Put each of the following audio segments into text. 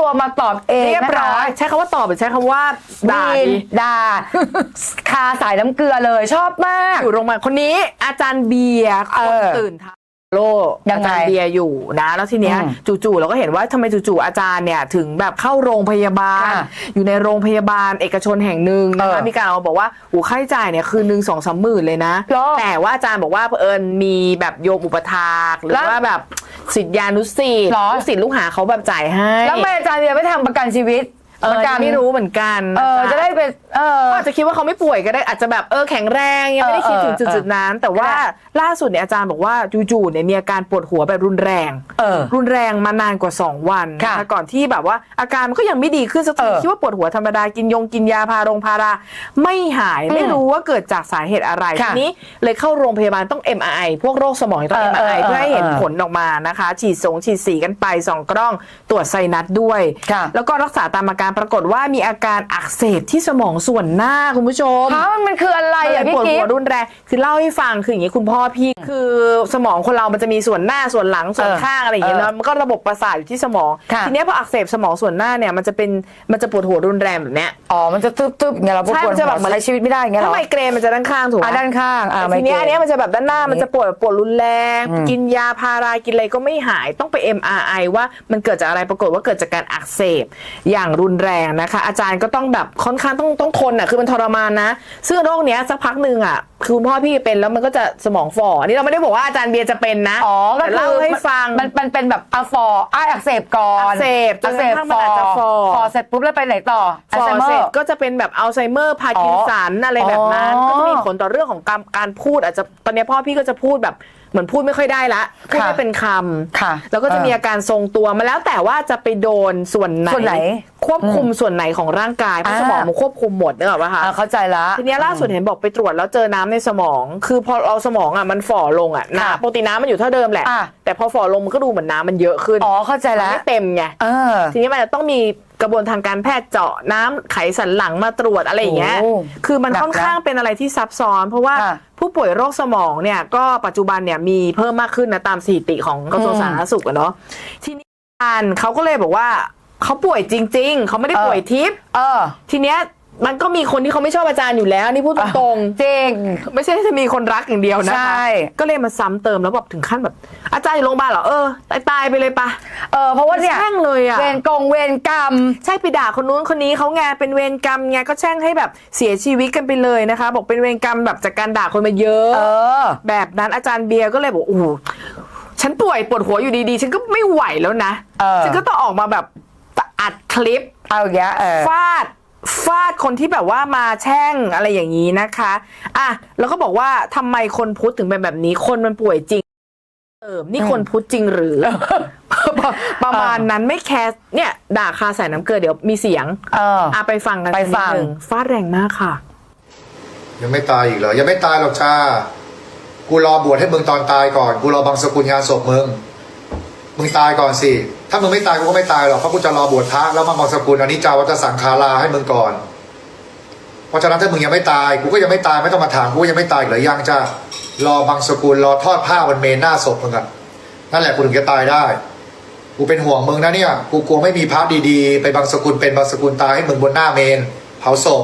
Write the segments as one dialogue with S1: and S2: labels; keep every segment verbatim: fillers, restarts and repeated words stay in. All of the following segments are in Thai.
S1: ตัวมาตอบเองเรียบร้อย
S2: ใช้คำว่าตอบหรือใช้คำว่าด่า
S1: ด่าคาสายน้ำเกลือเลยชอบมาก
S2: อยู่โรงพยาบาลคนนี้อาจารย์เบียร์คนตื่นทาโลอาจารย์เบียร์อยู่นะแล้วทีเนี้ยจู่ๆเราก็เห็นว่าทำไมจู่ๆอาจารย์เนี่ยถึงแบบเข้าโรงพยาบาลอยู่ในโรงพยาบาลเอกชนแห่งหนึ่งนะคะมีการเอาบอกว่าโอ้ค่าใช้จ่ายเนี่ยคืนหนึ่งสองสามหมื่นเลยนะแต่ว่าอาจารย์บอกว่าเอิญมีแบบโยมอุปถากหรือว่าแบบศิษยานุศิษย์ลูกศิษย์ลูกหาเขาแบบจ่ายให้
S1: แล้วทำไมอาจารย์เบียร์ไม่ทำประกันชีวิต
S2: เออไม่รู้เหมือนกัน
S1: เออจะได้เป็นเออ
S2: อาจจะคิดว่าเขาไม่ป่วยก็ได้อาจจะแบบเออแข็งแรงยังไม่ได้คิดถึงจุดๆนั้นแต่ว่าล่าสุดเนี่ยอาจารย์บอกว่าจู่ๆเนี่ยมีอาการปวดหัวแบบรุนแรงรุนแรงมานานกว่าสองวันก่อนที่แบบว่าอาการมันก็ยังไม่ดีขึ้นสักทีคิดว่าปวดหัวธรรมดากินยงกินยาพาโรงพาราไม่หายไม่รู้ว่าเกิดจากสาเหตุอะไรทีนี้เลยเข้าโรงพยาบาลต้อง เอ็ม อาร์ ไอ พวกโรคสมองต้อง เอ็ม อาร์ ไอ เพื่อให้เห็นผลออกมานะคะฉีดสงฉีดสีกันไปสองกล้องตรวจไซนัสด้วยแล้วก็รักษาตามอาการปรากฏว่ามีอาการอักเสบที่สมองส่วนหน้าคุณผู้ชม
S1: มันคืออะไรอ่ะพี่กิ๊ฟ
S2: ปวดหัวรุนแรงคือเล่าให้ฟังคืออย่างนี้คุณพ่อพี่คือสมองคนเรามันจะมีส่วนหน้าส่วนหลังส่วนข้างอะไรอย่างเงี้ยแล้วมันก็ระบบประสาทอยู่ที่สมองทีนี้พออักเสบสมองส่วนหน้าเนี่ยมันจะเป็นมันจะปวดหัวรุนแรงแบบเนี้ย
S1: อ๋อมันจะตึ๊บๆอย่างเงี้ยเราปวดหัวใช้ชีวิตไม่ได้อย่างเงี้ยหรอ
S2: ถ้าไมเกรนมันจะด้านข้างถูกไหม
S1: ด้านข้าง
S2: ทีนี้อันนี้มันจะแบบด้านหน้ามันจะปวดปวดรุนแรงกินยาพารากินอะไรก็ไม่หายต้องไป เอ็ม อาร์ ไอ ว่ามันเกิดจากอะไรปรากฏว่าเกิดจากการอักเสบอย่างรุนแรงนะคะอาจารย์ก็ต้องแบบค่อนข้างต้องต้องทนอ่ะคือมันทรมานนะซึ่งโรคเนี้ยสักพักหนึ่งอ่ะคือคุณพ่อพี่เป็นแล้วมันก็จะสมองฝ่ออันนี้เราไม่ได้บอกว่าอาจารย์เบียร์จะเป็นนะ
S1: อ๋อ
S2: แต่เล่าให้ฟัง
S1: มันมันเป็นแบบอะฟอร์อ้อักเสบก่อน
S2: อักเสบ
S1: อักเสบฟอร์ฟอร์เสร็จปุ๊บแล้วไปไหนต่อ
S2: ฟอร์เสร็จก็จะเป็นแบบอัลไซเมอร์พาร์กินสันอะไรแบบนั้นก็จะมีผลต่อเรื่องของการการพูดอาจจะตอนนี้พ่อพี่ก็จะพูดแบบเหมือนพูดไม่ค่อยได้ละพูดไม่เป็นคำแล้วก็จะมีอาการทรงตัวมาแล้วแต่ว่าจะไปโดนส่วนไหนควบคุมส่วนไหนของร่างกายเพราะสมองมันควบคุมหมดนึกออกป่ะคะ
S1: เข้าใจละ
S2: ทีนี้ล่าสุดเห็นบอกไปตรวจแล้วเจอน้ำในสมองคือพอเอาสมองอ่ะมันฝ่อลงอ่ะน้ำปกติน้ำมันอยู่เท่าเดิมแหละแต่พอฝ่อลงมันก็ดูเหมือนน้ำมันเยอะขึ้น
S1: อ๋อเข้าใจแล้ว
S2: ไม่เต็มไงทีนี้มันจะต้องมีกระบวนทางการแพทย์เจาะน้ำไขสันหลังมาตรวจอะไรอย่างเงี้ยคือมันค่อนข้างเป็นอะไรที่ซับซ้อนเพราะว่าผู้ป่วยโรคสมองเนี่ยก็ปัจจุบันเนี่ยมีเพิ่มมากขึ้นนะตามสถิติของกระทรวงสาธารณสุขอะเนาะทีนี้เขาก็เลยบอกว่าเขาป่วยจริงๆเขาไม่ได้ป่วยทิพย์ทีเนี้ยมันก็มีคนที่เขาไม่ชอบอาจารย์อยู่แล้วนี่พูดตรง
S1: ๆจริง
S2: ไม่ใช่จะมีคนรักอย่างเดียวนะคะก็เลยมาซ้ำเติมแล้วแบบถึงขั้นแบบอาจารย์อยู่โรงพยาบาลเหรอเออตายตายไปเลยปะ
S1: เออเพราะว่าเนี่ย
S2: แช่งเลยอะ
S1: เวรกงเวรกรรม
S2: ใช่ไปด่าคนนู้นคนนี้เขาไงเป็นเวรกรรมไงก็แช่งให้แบบเสียชีวิตกันไปเลยนะคะบอกเป็นเวรกรรมแบบจากการด่าคนมาเยอะแบบนั้นอาจารย์เบียร์ก็เลยบอกโอ้ฉันป่วยปวดหัวอยู่ดีๆฉันก็ไม่ไหวแล้วนะฉันก็ต้องออกมาแบบอัดคลิป
S1: เอาอย่างเงี้ย
S2: ฟาดฟาดคนที่แบบว่ามาแช่งอะไรอย่างนี้นะคะอ่ะแล้วก็บอกว่าทำไมคนพุทธถึงเป็นแบบนี้คนมันป่วยจริงเออนี่คนพุทธจริงหรือ ประมาณนั้นไม่แคร์เนี่ยด่าคาใส่น้ำเกลือเดี๋ยวมีเสียง
S1: เออ
S2: อ่ะไปฟังกัน
S1: ไปฟัง
S2: ฟาดแรงมากค่ะ
S3: ยังไม่ตายอีกเหรอยังไม่ตายหรอกจ้ากูรอบวชให้มึงตอนตายก่อนกูรอบังสกุลงานศพมึงมึงตายก่อนสิถ้ามึงไม่ตายกูก็ไม่ตายหรอกเพราะกูจะรอบวชพระแล้วมาบังสกุลอันนี้จาวัตสังคาราให้มึงก่อนเพราะฉะนั้นถ้ามึงยังไม่ตายกูก็ยังไม่ตายไม่ต้องมาถามกูยังไม่ตายหรือยังจ้ารอบังสกุลรอทอดผ้าบนเมนหน้าศพมึงอะนั่นแหละกูถึงจะตายได้กูเป็นห่วงมึงนะเนี่ยกูกลัวไม่มีพระดีๆไปบังสกุลเป็นบังสกุลตายให้มึงบนหน้าเมนเผาศพ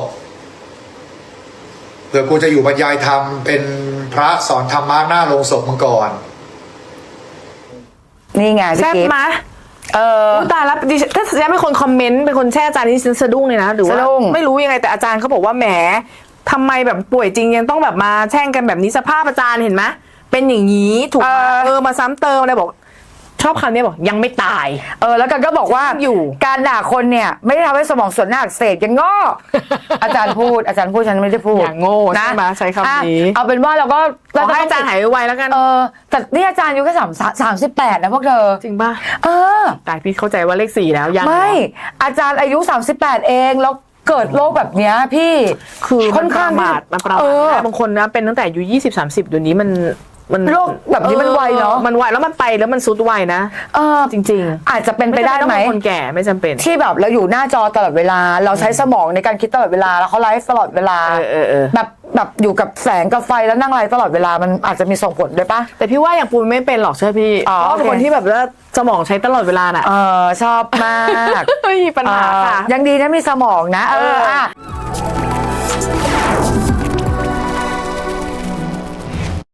S3: เผื่อกูจะอยู่บรรยายธรรมเป็นพระสอนธรรมะหน้าโรงศพมึงก่อน
S1: นี่ไง
S2: แซ่บมา
S1: เออ
S2: ตายแล้วถ้าแซ่บเป็นคนคอมเมนต์เป็นคนแช่อาจารย์นี่ฉันสะดุ้งเลยนะหรือว่าไม่รู้ยังไงแต่อาจารย์เขาบอกว่าแหมทำไมแบบป่วยจริงยังต้องแบบมาแช่งกันแบบนี้สภาพอาจารย์เห็นไหมเป็นอย่างนี้ถูกไหมเออมาซ้ำเติมอะไรบอกชอบคำนี้บอกยังไม่ตาย
S1: เออแล้วกันก็บอกว่าอยู่การด่าคนเนี่ยไม่ได้ทำให้สมองส่วนหน้าอักเสบยังโง่อาจารย์พูดอาจารย์พูดฉันไม่ได้พูด
S2: อย่างโง่ใช่ไหมใช้คำนี้
S1: เอาเป็นว่าเราก็
S2: ขอให้อาจารย์หายไวแล้วกัน
S1: เออแต่นี่อาจารย์อายุแค่สามสามสิบแปดนะพวกเธอ
S2: จริงป่ะ
S1: เออ
S2: ตายพี่เข้าใจว่าเลขสี่แล้วยัง
S1: ไม่อาจารย์อายุสามสิบแปดเองแล้วเกิดโรคแบบนี้พี่
S2: คือค่อนข้างบาดมันประมาทบางคนนะเป็นตั้งแต่อายุยี่สิบสามสิบเดี๋ยวนี้มันมัน
S1: โรคแบบนี้มันไวเนาะ
S2: มันไวแล้วมันไปแล้วมันซุดไวนะ
S1: เออ
S2: จริง
S1: อาจจะเป็น
S2: ๆ
S1: ไปได้ไหม
S2: จำเป็นต้องเป็นคนแก่ไม่จำเป็น
S1: ที่แบบเราอยู่หน้าจอตลอดเวลา เราใช้สมองในการคิดตลอดเวลาแล้วเขาไลฟ์ตลอดเวลา
S2: เออเออเออ
S1: แบบแบบอยู่กับแสงกับไฟแล้วนั่งไลฟ์ตลอดเวลามันอาจจะมีส่งผลด้วยปะ
S2: แต่พี่ว่าอย่างปูนไม่เป็นหรอกใช่พี่
S1: อ๋อ
S2: เพราะว่าเป็น
S1: โอเค
S2: คนที่แบบว่าสมองใช้ตลอดเวลาน่ะ
S1: เออชอบมาก
S2: ไม่มีปัญหาค่ะ
S1: เออยังดีนะมีสมองนะ เออ
S2: เอออ่
S1: อ่ะ